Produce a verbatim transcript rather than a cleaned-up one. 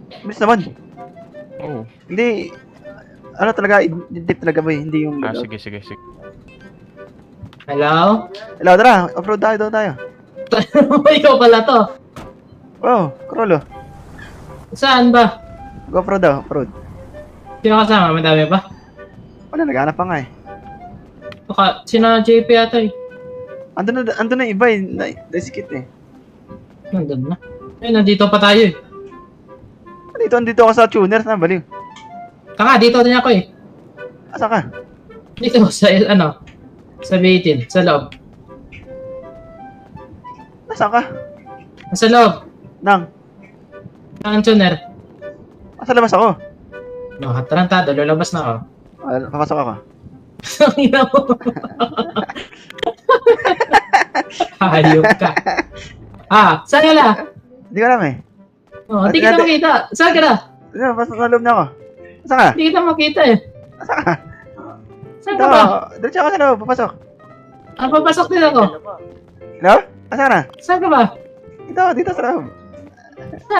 Bilis naman. Oo. Hindi, ano talaga, i-dip talaga ba eh, hindi yung... Ah, sige, sige, sige. Hello? Hello, tara, off-road tayo, daw tayo. Ikaw pala to. Oh, Krolo. Saan ba? Go off-road daw, off-road. Sino kasama? Madami ba? Wala, naghanap pa nga eh. Baka, sina J P ata eh. Andun na, andun na yung iba eh, na, nasikit eh. Nandun na. Eh, nandito pa tayo eh. Dito, andito ako sa tuners na, baliw. Kaka, dito din ako eh. Asa ka? Dito sa, ano, sa eighteen, sa loob. Asa ka? Sa loob, Nang, ng tuner. asa labas ako? No, tarantado, lalabas na ako. Ah, papasok ako. Ang ina mo. Hayop ka. Ah, saan ka na? Hindi ko alam eh. Oh, hindi kita makita. Saan ka na? Ano, pasok na loob na ako. Asa ka? Hindi kita makita eh. Asa ka? Saan Ito, ka ba? diretso ako sa loob, papasok. Ah, papasok din ako. Hello? Asa ka na? Saan ka ba? Dito, dito sa loob.